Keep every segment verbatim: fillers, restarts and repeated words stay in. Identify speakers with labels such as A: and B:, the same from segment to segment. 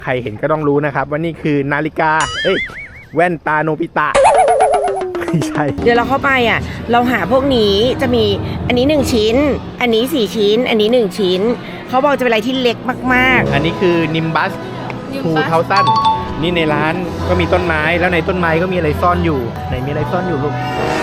A: ใครเห็นก็ต้องรู้นะครับว่านี่คือนาฬิกาเอ้ยแว่นตาโนบิตะไม่ใช่
B: เดี๋ยวเราเข้าไปอ่ะเราหาพวกนี้จะมีอันนี้หนึ่งชิ้นอันนี้สี่ชิ้นอันนี้หนึ่งชิ้นเขาบอกจะเป็นอะไรที่เล็กมาก
A: ๆอันนี้คือนิมบัสทูเทาสั้นนี่ในร้านก็มีต้นไม้แล้วในต้นไม้ก็มีอะไรซ่อนอยู่ไหนมีอะไรซ่อนอยู่ลูก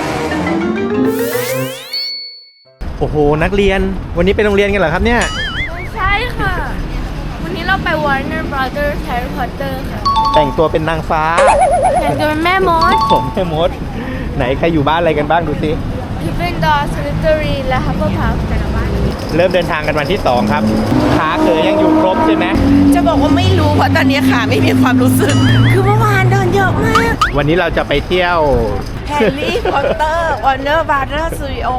A: โอ้โหนักเรียนวันนี้ไปโรงเรียนกันเหรอครับเนี่ย
C: ไม่ใช่ค่ะวันนี้เราไป Warner Brothers Harry Potter ค่ะ
A: แต่งตัวเป็นนางฟ้า
C: แต่งตัวเป็นแม่มด
A: ผมแม่มดไหนใครอยู่บ้านอะไรกันบ้างดูสิ
C: พิฟฟินดอร์สลิตเตอรีและฮับเบิลพัฟแต่ละบ้าน
A: เริ่มเดินทางกันวันที่สองครับขาเขยยังอยู่ครบใช่ไหม
B: จะบอกว่าไม่รู้เพราะตอนนี้ขาไม่มีความรู้สึกคือเมื่อวานเดินเยอะมาก
A: วันนี้เราจะไปเที่ยว
B: แฮร์รี่พอตเตอร์วอร์เนอร์บราเธอร์สตูดิโอ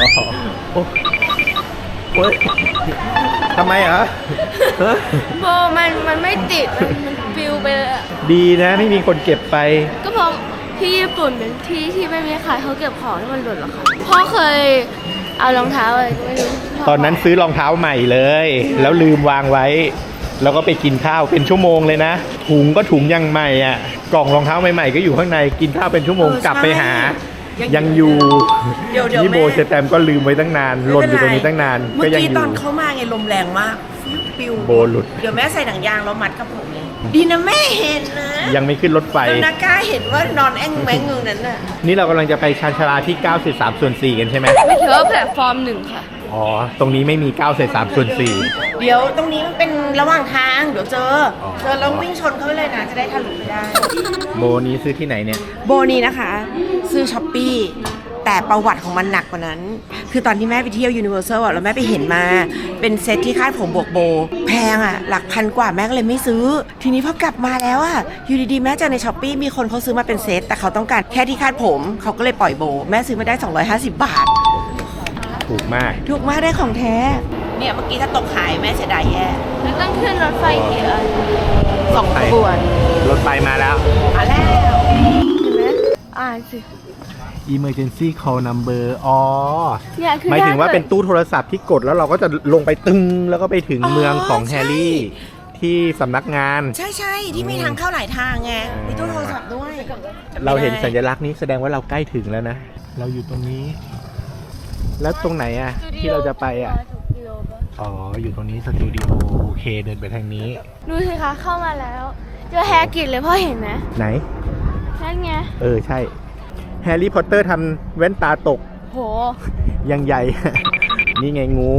A: ทำไมเหรอ
C: โบมันมันไม่ติดมันฟิวไปเลย
A: ดีนะไม่มีคนเก็บไป
C: ก็เพราะที่ญี่ปุ่นเป็นที่ที่ไม่มีใครเขาเก็บของที่มันหล่นหรอกค่ะพ่อเคยเอารองเท้าอะไรไม่รู้
A: ตอนนั้นซื้อรองเท้าใหม่เลยแล้วลืมวางไว้แล้วก็ไปกินข้าวเป็นชั่วโมงเลยนะถุงก็ถุงยังใหม่อ่ะกล่องรองเท้าใหม่ๆก็อยู่ข้างในกินข้าวเป็นชั่วโมงกลับไปหายังอยู่นี่โบเชแตมก็ลืมไว้ตั้งนานหล่นอยู่ตรงนี้ตั้งนาน
B: เมื่อกี้ตอนเข้ามาไงลมแรงมากฟิว
A: โบหลุด
B: เดี๋ยวแม่ใส่หนังยางแล้วมัดกับผมเลยดีนะแม่เห็นนะ
A: ยังไม่ขึ้นรถไฟ
B: แล้วนักก้าเห็นว่านอนแอ่งแมงอยู่นั้นน่ะ
A: นี่เรากำลังจะไปชานชาลาที่เก้าสิบสามส่วนสี่กันใช่ไหม
C: ไม่ถือว่าแพลตฟอร์มหนึ่งค่ะ
A: อ๋อตรงนี้ไม่มีเก้าสิบสามส่วนสี่
B: เดี๋ยวตรงนี้มันเป็นระหว่างทางเดี๋ยวเจอเจอแล้ววิ่งชนเขาไปเลยนะจะได้ทะลุไปได้
A: โบนี้ซื้อที่ไหนเนี่ย
B: โบนี้นะคะซื้อช้อปปี้แต่ประวัติของมันหนักกว่านั้นคือตอนที่แม่ไปเที่ยวยูนิเวอร์แซลอ่ะแล้วแม่ไปเห็นมาเป็นเซตที่คาดผมบวกโบแพงอ่ะหลักพันกว่าแม่ก็เลยไม่ซื้อทีนี้พอกลับมาแล้วอ่ะอยู่ดีๆแม่เจอในช้อปปี้มีคนเขาซื้อมาเป็นเซตแต่เขาต้องการแค่ที่คาดผมเขาก็เลยปล่อยโบแม่ซื้อมาได้สองร้อยห้าสิบบาท
A: ถูกมาก
B: ถูกมากได้ของแท้เนี่ยเมื่อกี้ถ้าตกหายแม่เสียดายแย่
C: แล้วต้องขึ้นรถไฟกี่อัน
B: สองขบวน
A: รถไฟมาแล้ว
B: มาแล้ว
C: เห็นไหมอ่านสิ
A: Emergency call number อ๋อ
C: ห
A: มายถึงว่าเป็นตู้โทรศัพท์ที่กดแล้วเราก็จะลงไปตึงแล้วก็ไปถึงเมืองของแฮร์รี่ที่สำนักงาน
B: ใช่ใช่ที่มีทางเข้าหลายทางไงมีตู้โทรศัพท์ด้วย
A: เราเห็นสัญลักษณ์นี้แสดงว่าเราใกล้ถึงแล้วนะเราอยู่ตรงนี้แล้วตรงไหนอ่ะที่เราจะไปอ่ะอ๋ออยู่ตรงนี้สตูดิโอโอเคเดินไปทางนี้
C: ดูสิคะเข้ามาแล้วเจอแฮร์กิตเลยพ่อเห็นไหม
A: ไหน
C: นั่นไง
A: เออใช่แฮร์รี่พอตเตอร์ทำแว่นตาตก
C: โห
A: ยังใหญ่นี่ไงงู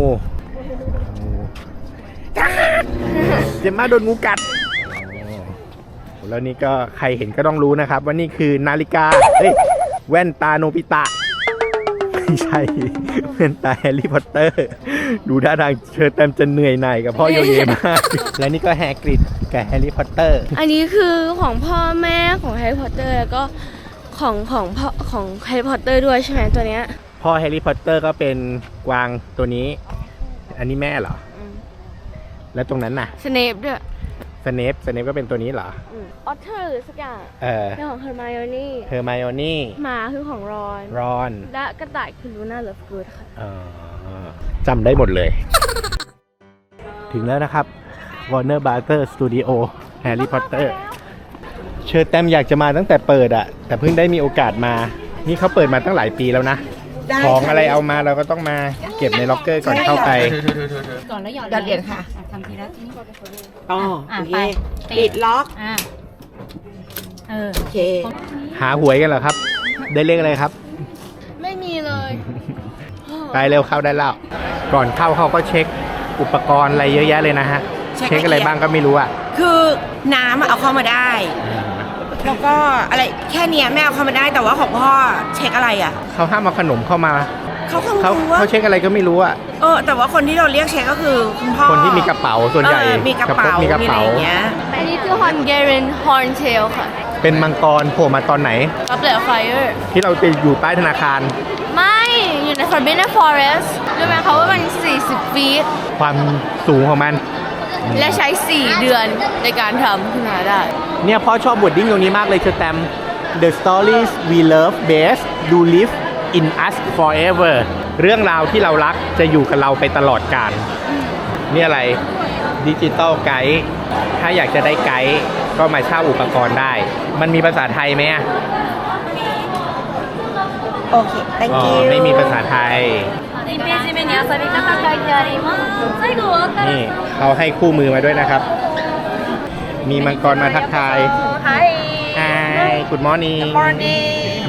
A: เจมมาโดนงูกัดแล้วนี่ก็ใครเห็นก็ต้องรู้นะครับว่านี่คือนาฬิกาเอ้ยแว่นตาโนบิตะไม่ใช่แว่นตาแฮร์รี่พอตเตอร์ดูท่าทางเชิญเต็มจะเหนื่อยหน่ายกับพ่อโยเยมากและนี่ก็แฮกริดกับแฮร์รี่พอตเตอร์
C: อันนี้คือของพ่อแม่ของแฮร์รี่พอตเตอร์แล้วก็ของของพ่อของแฮร์รี่พอตเตอร์ด้วยใช่ไหมตัวเนี้ย
A: พ่อแฮร์รี่พอตเตอร์ก็เป็นกวางตัวนี้อันนี้แม่เหรอแล้วตรงนั้นน่ะ
C: สเนปด้วย
A: สเนปสเนปก็เป็นตัวนี้เหรอ
C: ออเทอร์หรือสักอย่าง
A: เออ
C: เป็นของเฮอร์ไมโอนี่
A: เฮอร์ไมโอนี่
C: หมาคือของรอน
A: รอน
C: และกระต่ายคือลูน่าเลิฟกูดค่ะ
A: จำได้หมดเลย ถึงแล้วนะครับ Warner Brothers Studio Harry Potter เชิญแต้มอยากจะมาตั้งแต่เปิดอะแต่เพิ่งได้มีโอกาสมานี่เขาเปิดมาตั้งหลายปีแล้วนะของอะไรเอามาเราก็ต้องมาเก็บในล็อกเกอร์ก่อนเข้าไป
B: ก่อนแล้วหยอดเหรียญค่ะทำทีละทีนี้อ๋อโอเคปิดล็อกอ่าเออโอเค
A: หาหวยกันเหรอครับได้เลขอะไรครับ
C: ไม่มีเลย
A: ไปเร็วเข้าได้แล้วก่อนเข้าเขาก็เช็คอุปกรณ์อะไรเยอะแยะเลยนะฮะเช็คอะไรบ้างก็ไม่รู้อ่ะ
B: คือน้ำเอาเข้ามาได้แล้วก็อะไรแค่นี้แม่เอาเข้ามาได้แต่ว่าของพ่อเช็คอะไรอ่ะ
A: เขาห้ามเอาขนมเข้ามา
B: เขา
A: เขาเขาเช็คอะไรก็ไม่รู้อ่ะ
B: เออแต่ว่าคนที่เราเรียกเช็คก็คือคุณพ่อ
A: คนที่มีกระเป๋าส่วนใหญ่
B: มีกระเป๋ามีอะไรอย่างเงี้ย
C: อันนี้คือ Hungarian Horntail ค่ะ
A: เป็นมังกรโผล่มาตอนไหน
C: Goblet of Fire
A: ที่เราไปอยู่ใต้ธนาคาร
C: ไม่อยู่ใน Forbidden Forest รู้ไหมเขาว่ามันสี่สิบฟีต
A: ความสูงของมัน
C: และใช้สี่เดือนในการทำขึ้นมาได้
A: เนี่ยพ่อชอบบทดิ้งตรงนี้มากเลยเชอแตม The stories we love best do live in us forever เรื่องราวที่เรารักจะอยู่กับเราไปตลอดกาลนี่อะไรดิจิตอลไกด์ถ้าอยากจะได้ไกด์ก็มาเช่าอุปกรณ์ได้ มันมีภาษาไทยไหมอะ
B: โอเค thank
A: อ๋อ
B: you
A: ไม่มีภาษาไทย
C: にページ目に遊び方書いてあります最後終わったら
A: นี่เขาให้คู่มือมาด้วยนะครับ มีมังกรมาทักทาย
C: はい
A: Hi Good morning
B: morning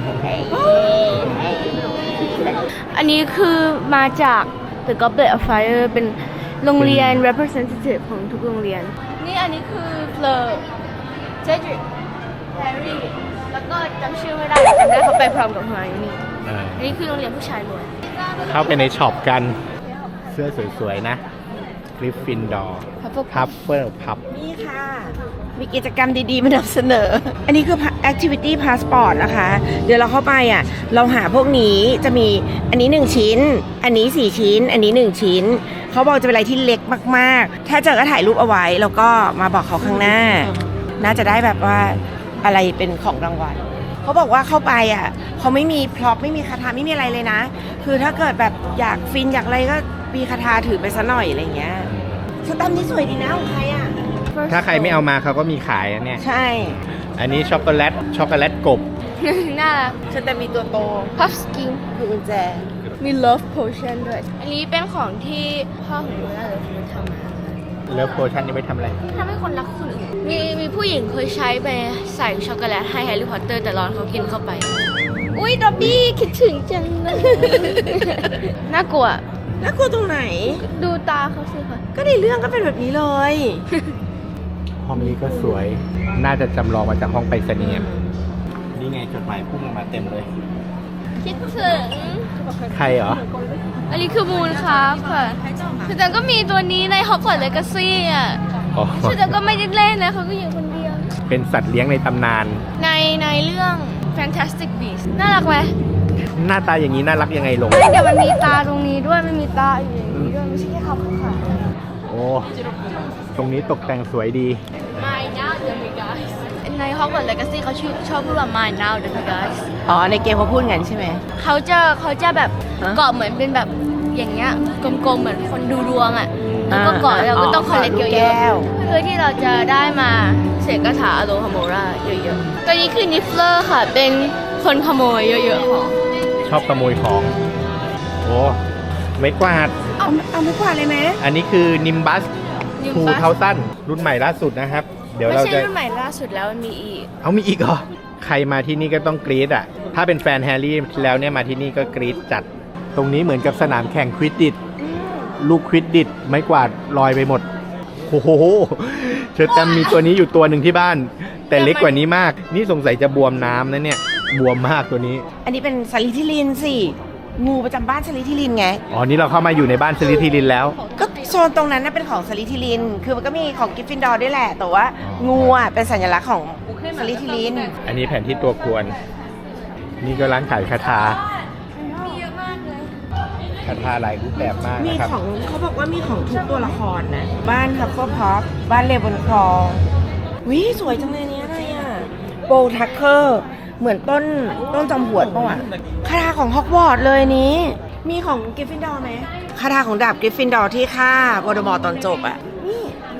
C: อันนี้คือมาจาก The Goblet of Fire เป็นโรงเรียน representative ของทุกโรงเรียน นี่อันนี้คือเฟลอร์เจดริกแฮร์รี่ แล้วก็จำชื่อไม่ได้จำได้เขาไปพร้อมกับฮาร์นี่
A: เออ
C: อันนี้คือโรงเรียนผู้ชายล้วน
A: เข้าไปในช็อปกัน เสื้อสวยๆนะกริฟฟินดอร์พัฟเฟิลพับ
B: นี่ค่ะ มีกิจกรรมดีๆมานำเสนอ อันนี้คือ activity passport นะคะ เดี๋ยวเราเข้าไปอ่ะ เราหาพวกนี้จะมีอันนี้หนึ่งชิ้น อันนี้สี่ชิ้น อันนี้หนึ่งชิ้น เขาบอกจะเป็นอะไรที่เล็กมากๆ ถ้าเจอก็ถ่ายรูปเอาไว้ แล้วก็มาบอกเขาข้างหน้า น่าจะได้แบบว่าอะไรเป็นของรางวัล เขาบอกว่าเข้าไปอ่ะเขาไม่มีพร็อพไม่มีคาถาไม่มีอะไรเลยนะ คือถ้าเกิดแบบอยากฟินอยากอะไรก็มีคาถาถือไปซะหน่อยอะไรเงี้ยสแตมป์นี่สวยดีนะของใครอ่ะ
A: ถ้าใครไม่เอามาเขาก็มีขายนะเนี่ย
B: ใช่
A: อันนี้ช็อกโกแลต ช็อกโกแลตกบ
C: น่ารัก
B: สแตมป์มีตัวโต
C: พัฟสกิน
B: คือกุญแจ
C: มี love potion ด้วย อันนี้เป็นของที่พ่อของหนูน่าจะเป็นทำมา
A: เลิฟโพชั่นนี่ไม่ทำอะไร
C: ทำให้คนรักคนอื่น มีมีผู้หญิงเคยใช้ไปใส่ช็อกโกแลตให้แฮร์รี่พอตเตอร์แต่ร้อนเขากินเข้าไป อุ้ยดอบบี้คิดถึงจังเลย น่ากลัว
B: น่ากลัวตรงไหน
C: ดูตาเขาสิค่ะ
B: ก็ในเรื่องก็เป็นแบบนี้เลย
A: ห้องนี้ก็สวย น่าจะจำลองมาจากห้องไปรษณีย์นี่ไงจดหมายพุ่งมาเต็มเลย
C: คิดถึง
A: ใครเหรอ
C: อันนี้คือมูนครับค่ะคือแต่ก็มีตัวนี้ใน Hogwarts Legacy อ่ะ
A: อ๋อ
C: คือแต่ก็ไม่ได้เล่นนะเขาก็อยู่คนเดียว
A: เป็นสัตว์เลี้ยงในตำนาน
C: ในในเรื่อง Fantastic Beasts น่ารักไหม
A: หน้าตาอย่างนี้น่ารักยังไงลง
C: ไม่เดี๋ยวมันมีตาตรงนี้ด้วยมันมีตาอยู่อย่างนี้ด้วยไม่ใช่แค่เขาค่ะ
A: โอ้ ตรงนี้ตกแต่งสวยดี
C: My now the guys ใน Hogwarts Legacy เขาชื่อชอบพูดว่า My now the guys
B: อ๋อ ในเกมเขาพูดงั้นใช่ไหม
C: เขาจะเขาจะแบบ
B: ฮะ
C: เกาะเหมือนเป็นแบบอย่างเงี้ยกลมๆเหมือนคนดูดวงอ่ะแล้วก็เกาะ
B: อ่า
C: เราก็ต้อง
B: อ๋อ
C: คอลเลก
B: ลู
C: เย
B: กแก้
C: อะ
B: ว
C: ๆเพื่อที่เราจะได้มาเสกคาถาอโลฮาโมราเยอะๆตัวนี้คือนิฟเลอร์ค่ะเป็นคนขโมยเยอะๆของ
A: ชอบขโมยของ โอ้ไม่กวาด
B: เอาเอาไม่กว่าดเลยไหม
A: อันนี้คือนิมบัส
C: Nimbus
A: ทูเทาสั้นรุ่นใหม่ล่าสุดนะครับ เดี๋ยว
C: ไม่
A: เรา
C: ใช่
A: จะ
C: รุ่นใหม่ล่าสุดแล้วมันมีอีก
A: เอามีอีกเหรอ ใครมาที่นี่ก็ต้องกรี๊ดอ่ะ ถ้าเป็นแฟนแฮร์รี่แล้วเนี่ยมาที่นี่ก็กรี๊ดจัด ตรงนี้เหมือนกับสนามแข่งควิดดิชลูกควิดดิชไม้กวาดลอยไปหมด โอ้โหเชอร์แตมมีตัวนี้อยู่ตัวหนึ่งที่บ้าน แต่เล็กกว่านี้มาก นี่สงสัยจะบวมน้ำนะเนี่ย บวมมากตัวนี้
B: อันนี้เป็นสลิธิลินสิ งูประจำบ้านสลิธิลินไง
A: อ๋อ นี่เราเข้ามาอยู่ในบ้านสลิธีรินแล้ว
B: ก็โซนตรงนั้นน่ะเป็นของสลิธิลิน คือมันก็มีของกริฟฟินดอร์ด้วยแหละ แต่ว่า
A: อ๋อ
B: งูอ่ะเป็นสัญลักษณ์ของสลิธิลิน
A: อันนี้แผนที่ตัวกวน นี่ก็ร้านขายคาถา
C: มีเยอะมากเลย
A: คาถาหลายรูปแบบมาก
B: มี
A: นะครับ
B: ของเขาบอกว่ามีของทุกตัวละครนะ บ้านฮัฟเฟิลพัฟบ้านเลบอนคลอวิสวยจังเลยเนี้ยอะไรอ่ะโบทักเกอร์เหมือนต้นต้นจอมหวดป่ะวะคาถาของฮอกวอตส์เลยนี้ มีของกริฟฟินดอร์ไหมคาถาของดาบกริฟฟินดอร์ที่ฆ่าวอลเดอมอร์ตอนจบอ่ะ นี่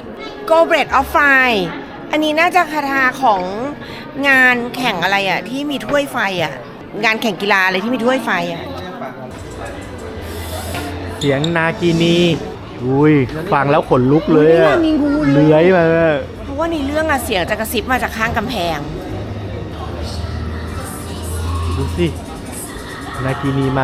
B: Goblet of Fire อันนี้น่าจะคาถาของงานแข่งอะไรอ่ะ ที่มีถ้วยไฟอ่ะ งานแข่งกีฬาอะไรที่มีถ้วยไฟอ่ะ
A: เสียงนากินี อุ้ย ฟังแล้วขนลุกเลยอะ
B: มีงูเลย
A: เลื้อยมา
B: เพราะว่าในเรื่องอะเสียงจะกระซิบมาจากข้างกำแพง
A: ดูสิ นากินีมา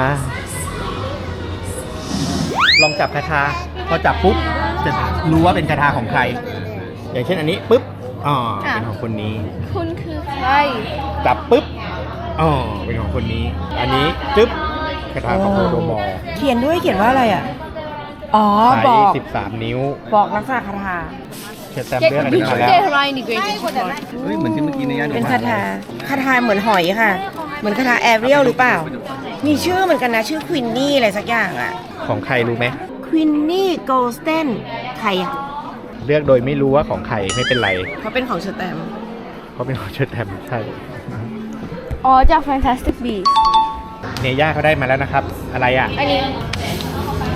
A: ลองจับคาถาพอจับปุ๊บ จะรู้ว่าเป็นคาถาของใคร อย่างเช่นอันนี้ปุ๊บ อ๋อ เป็นของคนนี้
C: คุณคือใคร
A: จับปุ๊บ อ๋อ เป็นของคนนี้ อันนี้จึ๊บคาถาของโวลเดอมอร์
B: เขียนด้วยเขียนว่าอะไรอ่ะ อ๋อ
A: ใช้
B: บอก
A: สิบสามนิ้ว
B: บอกลักษณะคาถา
A: เชิญแต้มเรื่องอันนี้มาแล้ว
C: เกทไรนี่เกรด
D: เฮ้ยเหมือนที่เมื่อกี้ในย่าน
B: เป็นคาถา คาถาเหมือนหอยค่ะ เหมือนคาถาแอเรียลหรือเปล่า มีชื่อเหมือนกันนะ ชื่อควินนี่อะไรสักอย่างอ่ะ
A: ของใครรู้ไหม
B: ควินนี่โกลสเตนใครอ่ะ
A: เลือกโดยไม่รู้ว่าของใครไม่เป็นไร
B: เขาเป็นของเชอร์แตม
A: เขาเป็นของเชิญแต้มใช่
C: อ๋อจาก Fantastic Beasts
A: เนย่าเขาได้มาแล้วนะครับ อะไรอ่ะ
C: อันนี้
A: อ๋อ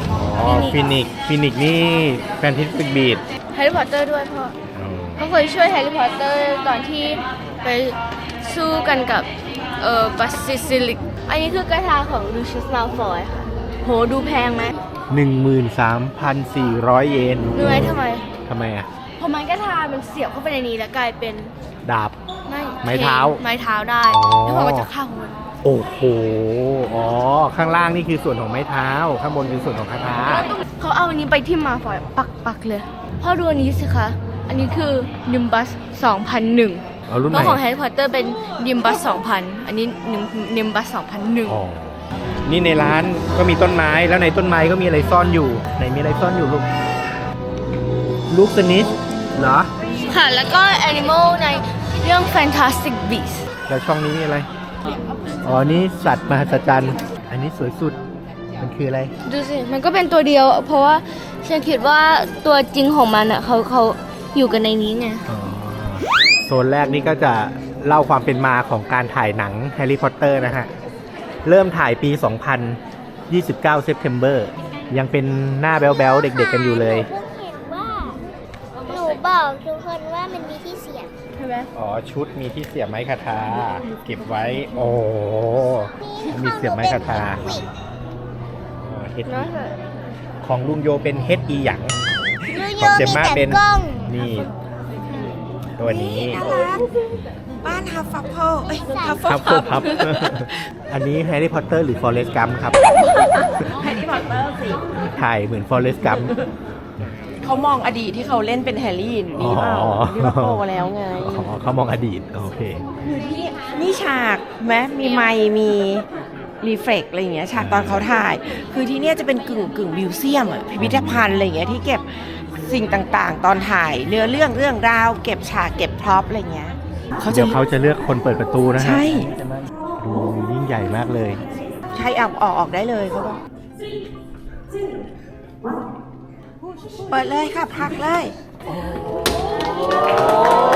A: ฟินิกฟินิกนี่แฟนทิสติกบีด
C: แฮร์รี่พอตเตอร์ด้วยพ่อเขาเคยช่วยแฮร์รี่พอตเตอร์ตอนที่ไปสู้กันกับเอ่อบัสซิซิลิกอันนี้คือกระทาของลูเชียสมาลฟอยค่ะโหดูแพงไหม
A: หนึ่งหมื่นสามพันสี่ร้อยเยน
C: รู้ไหมทำไม
A: ทำไมอ่ะ
C: เพราะไม้กระทามันเสียบเข้าไปในนี้แล้วกลายเป็น
A: ดาบ
C: ไม่
A: ไม้เท้า
C: ไม้เท้าได้
A: อ๋อ
C: แล้วพอก็จะฆ่าคน
A: โอ้โห อ๋อ ข้างล่างนี่คือส่วนของไม้เท้า ข้างบนคือส่วนของคาถา
C: เขาเอาอันนี้ไปที่มาฟอยปักปักๆเลยพ่อดูอันนี้สิคะอันนี้คือ Nimbus สองพันหนึ่ง
A: เอารุ่น
C: เพ
A: ไหน
C: ราะของ Harry Potter เป็น Nimbus สองพันอันนี้ Nimbus สองพันหนึ่ง
A: อ๋อ นี่ในร้านก็มีต้นไม้ แล้วในต้นไม้ก็มีอะไรซ่อนอยู่ ไหนมีอะไรซ่อนอยู่ลูก ลูกสนิทเหรอ
C: ค่ะ แล้วก็ Animal ในเรื่อง Fantastic Beasts
A: แล้วช่องนี้มีอะไร อ๋อ นี่สัตว์มหัศจรรย์ อันนี้สวยสุด มันคืออะไร
C: ดูสิ มันก็เป็นตัวเดียว เพราะว่าฉันคิดว่าตัวจริงของมันอ่ะเขาเขาอยู่กันในนี้ไง
A: อ๋อ โซนแรกนี่ก็จะเล่าความเป็นมาของการถ่ายหนังแฮร์รี่พอตเตอร์นะฮะ เริ่มถ่ายปี สองพันยี่สิบเก้า September ยังเป็นหน้าแบ๊วๆ เด็กๆกันอยู่เลย
E: หนูเพิ่งเห็นว่า หนูบอกทุกคนว่ามันมีที่เสียบ
C: ใช่ไหม
A: อ๋อ ชุดมีที่เสียบไม้คาทา เก็บไว้ โอ้มีเสียบไม้คาทาอ๋อเฮ็ด
C: เนาะ
A: ของลุงโยเป็นเฮ็ดอีหยัง
E: ยู
A: ข
E: โย
A: องเจ
E: มี
A: มม่า
E: แต่
A: เป็น
E: กล้อง
A: นี่ ตัวนี้
B: น่ารักบ้านฮัฟฟัฟเฟิลเอ้ยฮัฟฟั
A: พั
B: ฟ
A: บ
B: เฟิล
A: พับ อันนี้แฮร์รี่พอตเตอร์หรือฟอเรสต์กัมครับ
B: แฮร์รี่พอตเตอร์สิ
A: ถ่ายเหมือนฟอเรสต์กัม
B: เขามองอดีตที่เขาเล่นเป็นแฮร์รี่อยู่นี่เปล่า
A: อ๋อ
B: ที่ว่าโตแล้วไง
A: อ๋อเขามองอดีต โอเค
B: อยู่ที่นี่ฉากไหมมีไมค์มีรีเฟล็กอะไรอย่างเงี้ยฉากตอนเขาถ่าย คือที่เนี่ยจะเป็นกึ่งกึ่งมิวเซียมอะพิพิธภัณฑ์อะไรอย่างเงี้ยที่เก็บสิ่งต่างๆ ตอนถ่ายเนื้อเรื่องเรื่องราวเก็บฉากเก็บพร็อพอะไรอย่างเงี้ยเขาจะ
A: เดี๋ยวเขาจะเลือกคนเปิดประตูนะฮะ
B: ใช่
A: ดูยิ่งใหญ่มากเลย
B: ใช่ออกออกออกได้เลยเขาบอกเปิดเลยค่ะพักเลย โอ้